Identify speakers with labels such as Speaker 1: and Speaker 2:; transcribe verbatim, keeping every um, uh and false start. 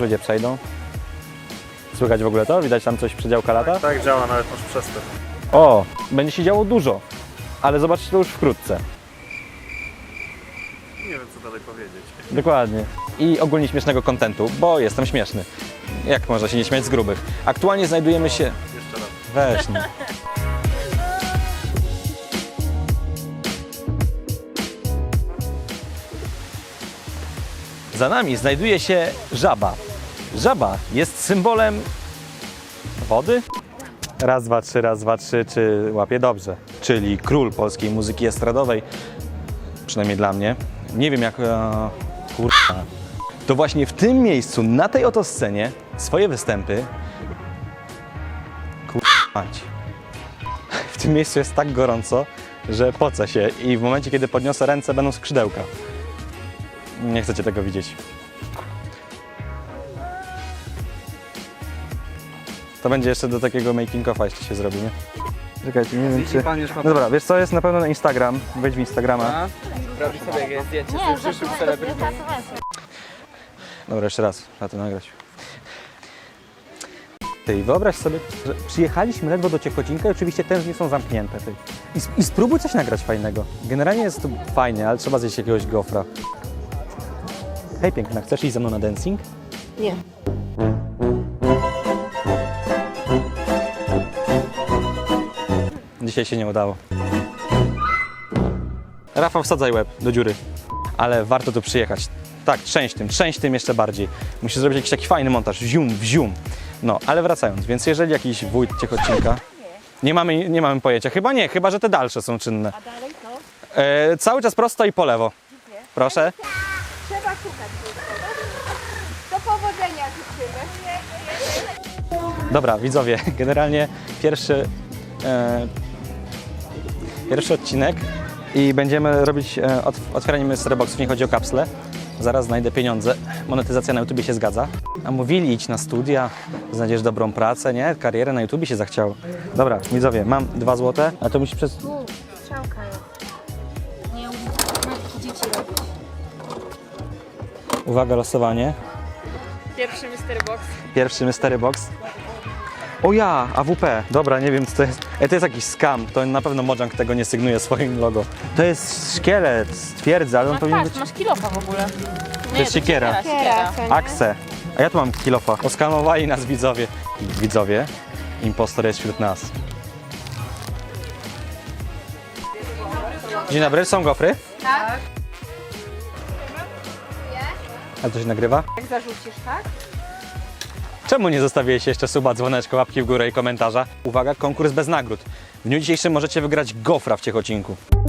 Speaker 1: ludzie przejdą. Słychać w ogóle to? Widać tam coś przedziałka lata?
Speaker 2: Tak, tak działa, nawet masz przestęp.
Speaker 1: O, będzie się działo dużo, ale zobaczcie to już wkrótce.
Speaker 2: Nie wiem, co dalej powiedzieć.
Speaker 1: Dokładnie. I ogólnie śmiesznego kontentu, bo jestem śmieszny. Jak można się nie śmiać z grubych? Aktualnie znajdujemy się...
Speaker 2: Jeszcze raz.
Speaker 1: Weź nie. Za nami znajduje się żaba. Żaba jest symbolem wody? Raz, dwa, trzy, raz, dwa, trzy, czy łapię dobrze. Czyli król polskiej muzyki estradowej, przynajmniej dla mnie. Nie wiem jak... E, kurwa. To właśnie w tym miejscu, na tej oto scenie, swoje występy... Kurwa mać. W tym miejscu jest tak gorąco, że poce się i w momencie, kiedy podniosę ręce, będą skrzydełka. Nie chcecie tego widzieć. To będzie jeszcze do takiego making of'a jeszcze się zrobi, nie? Czekajcie, nie wiem czy... No dobra, wiesz co, jest na pewno na Instagram. Wejdź w Instagrama.
Speaker 3: Robi sobie jakieś zdjęcie
Speaker 4: Nie,
Speaker 3: z przyszłych celebrytów.
Speaker 1: Dobra, jeszcze raz, trzeba to nagrać. Ty, wyobraź sobie, że przyjechaliśmy ledwo do Ciechocinka i oczywiście te drzwi są zamknięte. Ty. I, I spróbuj coś nagrać fajnego. Generalnie jest to fajnie, ale trzeba zjeść jakiegoś gofra. Hej piękna, chcesz iść ze mną na dancing?
Speaker 4: Nie.
Speaker 1: Dzisiaj się nie udało. Rafał, wsadzaj łeb do dziury. Ale warto tu przyjechać. Tak, trzęść tym, trzęść tym jeszcze bardziej. Musisz zrobić jakiś taki fajny montaż, wzium, wzium. No, ale wracając, więc jeżeli jakiś wójt Ciechocinka... Nie mamy, nie mamy pojęcia. Chyba nie, chyba że te dalsze są czynne.
Speaker 4: A dalej to?
Speaker 1: E, cały czas prosto i po lewo. Proszę.
Speaker 4: Trzeba szukać. Do powodzenia życzymy.
Speaker 1: Dobra, widzowie, generalnie pierwszy, e, pierwszy odcinek i będziemy robić e, otw otwieranie mystery boxów, nie chodzi o kapsle. Zaraz znajdę pieniądze. Monetyzacja na YouTubie się zgadza. A mówili, idź na studia, znajdziesz dobrą pracę, nie? Karierę na YouTubie się zachciało. Dobra, widzowie, mam dwa złote, a to musi przez...
Speaker 4: Tu, strzałka jest. Nie umiem matki dzieci robić.
Speaker 1: Uwaga, losowanie.
Speaker 3: Pierwszy mystery box.
Speaker 1: Pierwszy mystery box. O ja, A W P. Dobra, nie wiem co to jest. Ej, to jest jakiś scam. To na pewno Mojang tego nie sygnuje swoim logo. To jest szkielet, twierdzę, ale on
Speaker 3: No
Speaker 1: powinien
Speaker 3: patrz,
Speaker 1: być...
Speaker 3: masz kilofa w ogóle.
Speaker 1: To jest siekiera.
Speaker 3: Siekiera.
Speaker 1: Axe. A ja tu mam kilofa. Oskamowali nas widzowie. Widzowie, impostor jest wśród nas. Dzień dobry, są gofry?
Speaker 4: Tak?
Speaker 1: A to się nagrywa?
Speaker 4: Jak zarzucisz, tak?
Speaker 1: Czemu nie zostawiłeś jeszcze suba, dzwoneczka, łapki w górę i komentarza? Uwaga, konkurs bez nagród. W dniu dzisiejszym możecie wygrać gofra w Ciechocinku.